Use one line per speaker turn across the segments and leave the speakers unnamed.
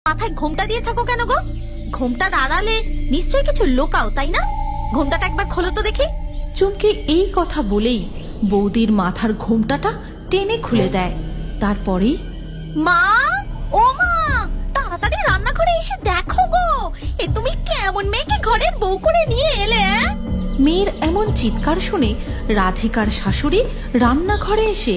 মাথায় ঘোমটা দিয়ে থাকো কেন গো? ঘোমটার আড়ালে নিশ্চয়ই কিছু লোকাও, তাই না? ঘোমটাটা একবার খোলো তো দেখি।
চুমকি এই কথা বলেই বৌদির মাথার ঘোমটাটা টেনে খুলে দেয়। তারপরেই
মা, ও মা, তাড়াতাড়ি রান্নাঘরে এসে দেখো গো, এ তুমি কেমন মেয়েকে ঘরের বউ করে নিয়ে এলে?
মেয়ের এমন চিৎকার শুনে রাধিকার শাশুড়ি রান্নাঘরে এসে,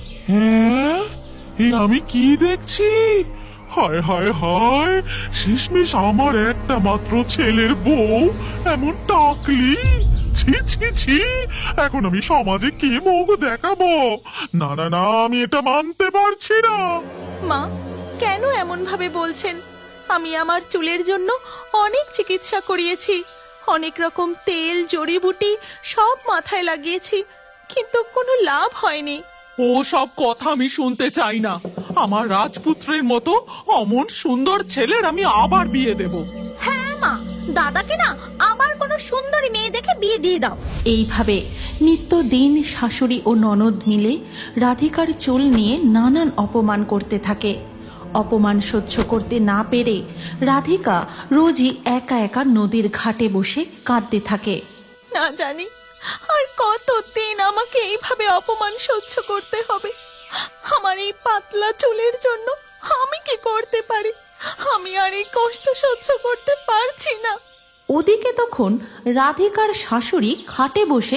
হ্যাঁ, এ আমি কি দেখছি? হায় হায় হায়, শেষমেশ আমার একটা মাত্র ছেলের বউ এমন টাকলি! ছি ছি ছি, এখন আমি সমাজে কি মুখ দেখাবো? না না না, আমি এটা মানতে পারছি না।
মা কেন এমন ভাবে বলছেন? আমি আমার চুলের জন্য অনেক চিকিৎসা করিয়েছি, অনেক রকম তেল জড়িবুটি সব মাথায় লাগিয়েছি, কিন্তু কোনো লাভ হয়নি।
ও সব কথা আমি শুনতে চাই না। আমার রাজপুত্রের মতো অমন সুন্দর ছেলের আমি আবার বিয়ে দেব।
হ্যাঁ মা, দাদাকে না আবার কোনো সুন্দরী মেয়ে দেখে বিয়ে দিয়ে দাও।
এইভাবে নিত্যদিন শাশুড়ি ও ননদ মিলে রাধিকার চুল নিয়ে নানান অপমান করতে থাকে। অপমান সহ্য করতে না পেরে রাধিকা রোজই একা একা নদীর ঘাটে বসে কাঁদতে থাকে। না জানি আর কতদিন আমাকে এইভাবে অপমান সহ্য করতে হবে। আমার এই পাতলা চুলের জন্য আমি কি করতে পারি? আমি আর এই কষ্ট সহ্য করতে পারছি না। ওদিকে তখন রাধিকার শাশুড়ি খাটে বসে,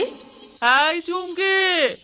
এই চুমকি,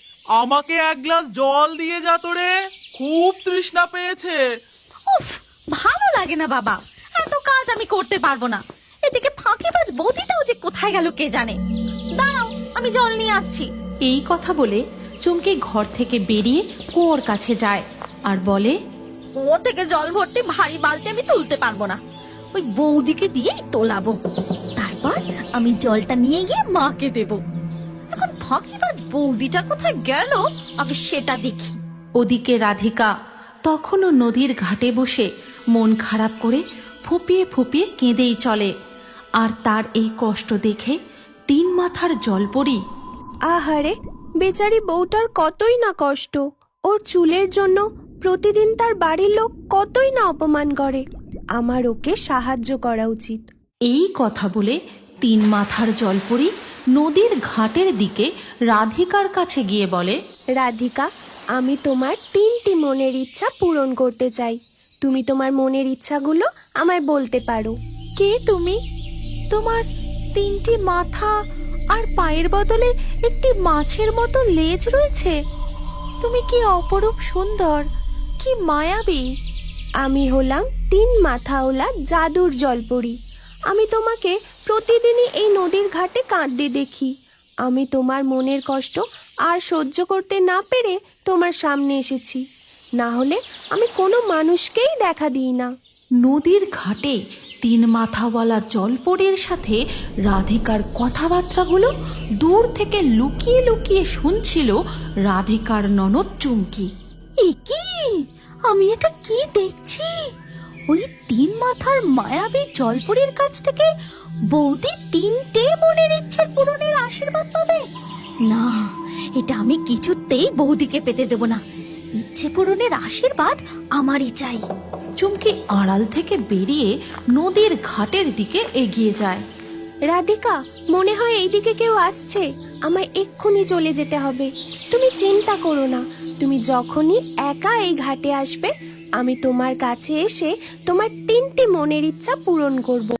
আমাকে এক গ্লাস জল দিয়ে যা তো রে, খুব তৃষ্ণা পেয়েছে।
উফ, ভালো লাগে না বাবা, এত কাজ আমি করতে পারবো না। এদিকে ফাঁকিবাজ বৌদিটাও যে কোথায় গেল কে জানে। দাঁড়াও, আমি জল নিয়ে আসছি।
এই কথা বলে চুমকি ঘর থেকে বেরিয়ে কুয়োর কাছে যায় আর বলে,
কুয়ো থেকে জল ভর্তি ভারী বালতি আমি তুলতে পারবো না, ওই বৌদিকে দিয়েই তোলাবো। তারপর আমি জলটা নিয়ে গিয়ে মাকে দেব। এখন ফাঁকিবাজ বৌদিটা কোথায় গেল আগে সেটা দেখি।
ওদিকে রাধিকা তখনও নদীর ঘাটে বসে মন খারাপ করে ফুপিয়ে ফুপিয়ে কেঁদেই চলে। আর তার এই কষ্ট দেখে তিন মাথার জলপরি,
আহারে, বেচারি বউটার কতই না কষ্ট। ওর চুলের জন্য প্রতিদিন তার বাড়ির লোক কতই না অপমান করে। আমার ওকে সাহায্য করা উচিত।
এই কথা বলে তিন মাথার জলপরি নদীর ঘাটের দিকে রাধিকার কাছে গিয়ে বলে,
রাধিকা, আমি তোমার 3টি মনের ইচ্ছা পূরণ করতে চাই। তুমি তোমার মনের ইচ্ছাগুলো আমায় বলতে পারো।
কে তুমি? তোমার 3টি মাথা আর পায়ের বদলে একটি মাছের মতো লেজ রয়েছে। তুমি কি অপরূপ সুন্দর, কি মায়াবী!
আমি হলাম 3 মাথাওয়ালা জাদুর জলপরি। আমি তোমাকে প্রতিদিনই এই নদীর ঘাটে কাঁদতে দেখি। আমি তোমার মনের কষ্ট আর সহ্য করতে না পেরে তোমার সামনে এসেছি। না হলে আমি কোনো মানুষকেই দেখা দিই না।
নদীর ঘাটে তিন মাথাওয়ালা জলপরীর সাথে রাধিকার কথাবার্তাগুলো দূর থেকে লুকিয়ে লুকিয়ে শুনছিল রাধিকার ননদ চুমকি।
এ কি, আমি এটা কি দেখছি? ওই তিন মাথার মায়াবী জলপরীর কাছ থেকে বৌদি 3টে মনের ইচ্ছের পূরণের আশীর্বাদ পাবে? না, এটা আমি কিছুতেই বৌদিকে পেতে দেব না। ইচ্ছে পূরণের আশীর্বাদ আমারই চাই।
চুমকি আড়াল থেকে বেরিয়ে নদীর ঘাটের দিকে এগিয়ে যায়।
রাধিকা, মনে হয় এইদিকে কেউ আসছে। আমায় এক্ষুনি চলে যেতে হবে। তুমি চিন্তা করো না, তুমি যখনই একা এই ঘাটে আসবে আমি তোমার কাছে এসে তোমার 3টি মনের ইচ্ছা পূরণ করব।